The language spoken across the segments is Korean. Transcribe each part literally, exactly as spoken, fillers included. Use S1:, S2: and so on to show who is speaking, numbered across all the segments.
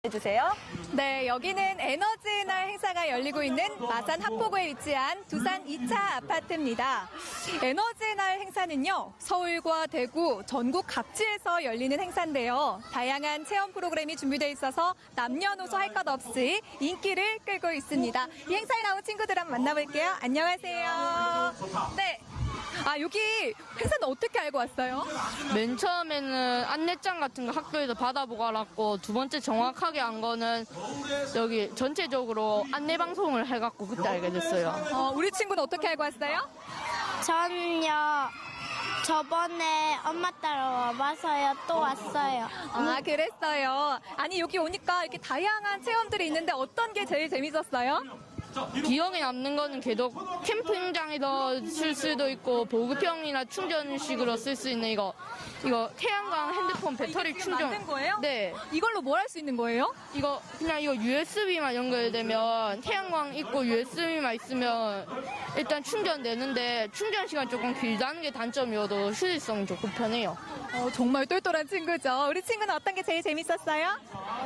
S1: 해주세요.
S2: 네, 여기는 에너지의 날 행사가 열리고 있는 마산 합포구에 위치한 두산 이 차 아파트입니다. 에너지의 날 행사는요, 서울과 대구, 전국 각지에서 열리는 행사인데요. 다양한 체험 프로그램이 준비되어 있어서 남녀노소 할 것 없이 인기를 끌고 있습니다. 이 행사에 나온 친구들 한번 만나볼게요. 안녕하세요. 네. 아, 여기 행사는 어떻게 알고 왔어요?
S3: 맨 처음에는 안내장 같은 거 학교에서 받아보고 알았고, 두 번째 정확하게 안 거는 여기 전체적으로 안내 방송을 해갖고 그때 알게 됐어요.
S2: 어, 우리 친구는 어떻게 알고 왔어요?
S4: 저는요, 저번에 엄마 따라 와봐서요, 또 왔어요.
S2: 아, 그랬어요. 아니, 여기 오니까 이렇게 다양한 체험들이 있는데 어떤 게 제일 재밌었어요?
S3: 기억에 남는 거는 계속 캠핑장에서 쓸 수도 있고, 보급형이나 충전식으로 쓸 수 있는 이거, 이거 태양광 핸드폰 배터리
S2: 이게
S3: 충전.
S2: 만든 거예요?
S3: 네.
S2: 이걸로 뭘 할 수 있는 거예요?
S3: 이거 그냥 이거 유에스비만 연결되면 태양광 있고 유에스비만 있으면 일단 충전되는데, 충전 시간 조금 길다는 게 단점이어도 휴대성이 좋고 편해요.
S2: 어, 정말 똘똘한 친구죠. 우리 친구는 어떤 게 제일 재밌었어요?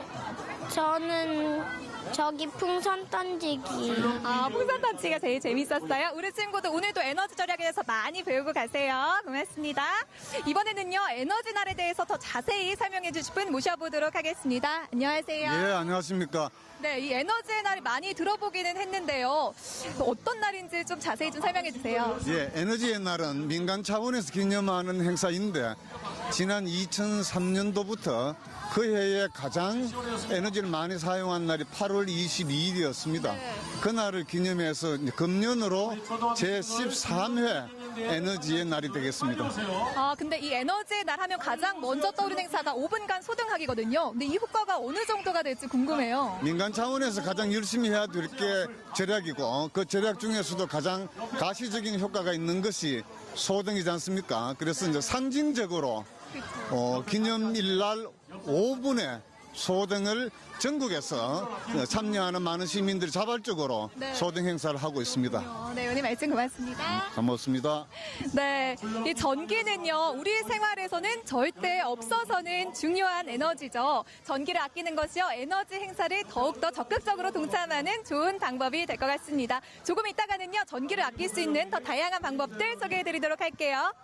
S4: 저는 저기 풍선 던지기.
S2: 아, 풍선 던지기가 제일 재밌었어요. 우리 친구도 오늘도 에너지 절약에 대해서 많이 배우고 가세요. 고맙습니다. 이번에는요, 에너지 날에 대해서 더 자세히 설명해 주실 분 모셔보도록 하겠습니다. 안녕하세요.
S5: 예, 안녕하십니까.
S2: 네, 이 에너지의 날이 많이 들어보기는 했는데요. 어떤 날인지 좀 자세히 좀 설명해 주세요.
S5: 예, 에너지의 날은 민간 차원에서 기념하는 행사인데, 지난 이천삼 년도부터 그 해에 가장 에너지를 많이 사용한 날이 팔월 이십이일이었습니다. 그날을 기념해서 이제 금년으로 제십삼 회 에너지의 날이 되겠습니다.
S2: 아, 근데 이 에너지의 날 하면 가장 먼저 떠오르는 행사가 오 분간 소등하기거든요. 근데 이 효과가 어느 정도가 될지 궁금해요.
S5: 민간 차원에서 가장 열심히 해야 될 게 절약이고, 그 절약 중에서도 가장 가시적인 효과가 있는 것이 소등이지 않습니까? 그래서 이제 상징적으로 어, 기념일날 오 분에 소등을 전국에서 참여하는 많은 시민들이 자발적으로
S2: 네.
S5: 소등 행사를 하고 있습니다.
S2: 어, 네, 오늘 말씀 고맙습니다.
S5: 고맙습니다.
S2: 네, 이 전기는요, 우리 생활에서는 절대 없어서는 중요한 에너지죠. 전기를 아끼는 것이요, 에너지 행사를 더욱더 적극적으로 동참하는 좋은 방법이 될 것 같습니다. 조금 이따가는요, 전기를 아낄 수 있는 더 다양한 방법들 소개해드리도록 할게요.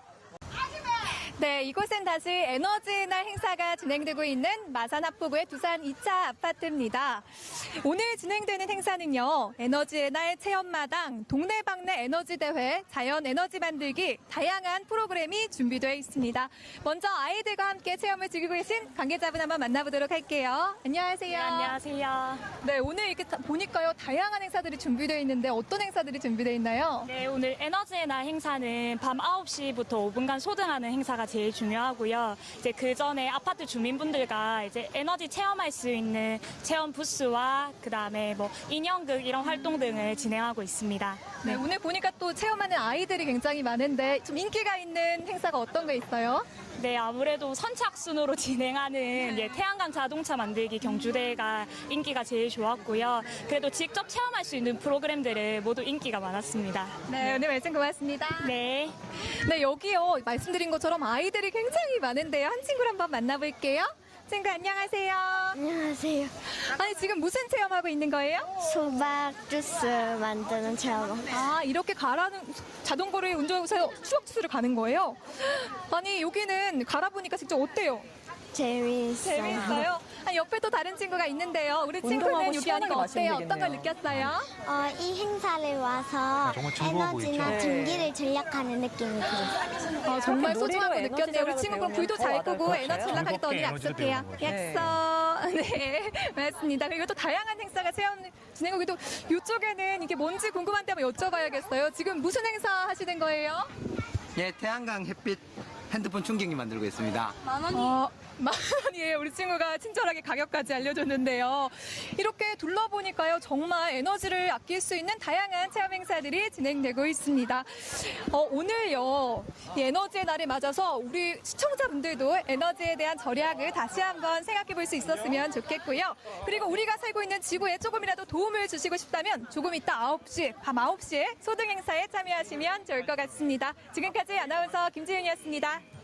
S2: 네, 이곳은 다시 에너지의 날 행사가 진행되고 있는 마산 합포구의 두산 이 차 아파트입니다. 오늘 진행되는 행사는요, 에너지의 날 체험마당, 동네방네 에너지 대회, 자연 에너지 만들기, 다양한 프로그램이 준비되어 있습니다. 먼저 아이들과 함께 체험을 즐기고 계신 관계자분 한번 만나보도록 할게요. 안녕하세요.
S1: 네, 안녕하세요.
S2: 네, 오늘 이렇게 다- 보니까요, 다양한 행사들이 준비되어 있는데 어떤 행사들이 준비되어 있나요?
S1: 네, 오늘 에너지의 날 행사는 밤 아홉 시부터 오 분간 소등하는 행사가 제일 중요하고요. 이제 그 전에 아파트 주민분들과 이제 에너지 체험할 수 있는 체험 부스와 그 다음에 뭐 인형극 이런 활동 등을 진행하고 있습니다.
S2: 네, 오늘 보니까 또 체험하는 아이들이 굉장히 많은데 좀 인기가 있는 행사가 어떤 게 있어요?
S1: 네, 아무래도 선착순으로 진행하는 예, 태양광 자동차 만들기 경주대회가 인기가 제일 좋았고요. 그래도 직접 체험할 수 있는 프로그램들은 모두 인기가 많았습니다.
S2: 네, 오늘 말씀 고맙습니다.
S1: 네.
S2: 네, 여기요. 말씀드린 것처럼 아이들이 굉장히 많은데요. 한 친구를 한번 만나볼게요. 친구 안녕하세요.
S4: 안녕하세요.
S2: 아니, 지금 무슨 체험하고 있는 거예요?
S4: 수박 주스 만드는 체험.
S2: 아, 이렇게 가라는 자전거를 운전해서 추억 주스를 가는 거예요? 아니, 여기는 갈아보니까 직접 어때요?
S4: 재미있어요.
S2: 재밌어요? 아니, 옆에 또 다른 친구가 있는데요. 우리 친구는
S1: 운동하고
S2: 여기
S1: 시원하게
S2: 하니까 어때요?
S1: 마시면
S2: 어떤 걸
S1: 되겠네요.
S2: 느꼈어요?
S4: 어, 이 행사를 와서
S6: 정말 즐거워
S4: 에너지나
S6: 보이죠?
S4: 전기를 절약하는 느낌이 들어요.
S2: 어, 정말
S1: 이렇게
S2: 소중한 거
S1: 놀이로
S2: 느꼈네요. 우리
S1: 에너지
S2: 친구 그럼
S1: 절약을
S2: 불도 잘
S1: 배우면 더
S2: 끄고
S1: 와닿을
S2: 에너지
S1: 것
S2: 절약하겠다 오늘
S6: 즐겁게 에너지를
S2: 약속해요.
S6: 배우는
S2: 약속. 네, 맞습니다. 그리고 또 다양한 행사가 체험 진행하고 또 이쪽에는 이게 뭔지 궁금한데 한번 여쭤봐야겠어요. 지금 무슨 행사 하시는 거예요?
S7: 예, 태양광 햇빛 핸드폰 충전기 만들고 있습니다.
S2: 어, 만 원이에요. 우리 친구가 친절하게 가격까지 알려줬는데요. 이렇게 둘러보니까요, 정말 에너지를 아낄 수 있는 다양한 체험 행사들이 진행되고 있습니다. 어, 오늘요, 이 에너지의 날을 맞아서 우리 시청자분들도 에너지에 대한 절약을 다시 한번 생각해 볼 수 있었으면 좋겠고요. 그리고 우리가 살고 있는 지구에 조금이라도 도움을 주시고 싶다면 조금 이따 아홉 시, 밤 아홉 시에 소등 행사에 참여하시면 좋을 것 같습니다. 지금까지 아나운서 김지윤이었습니다.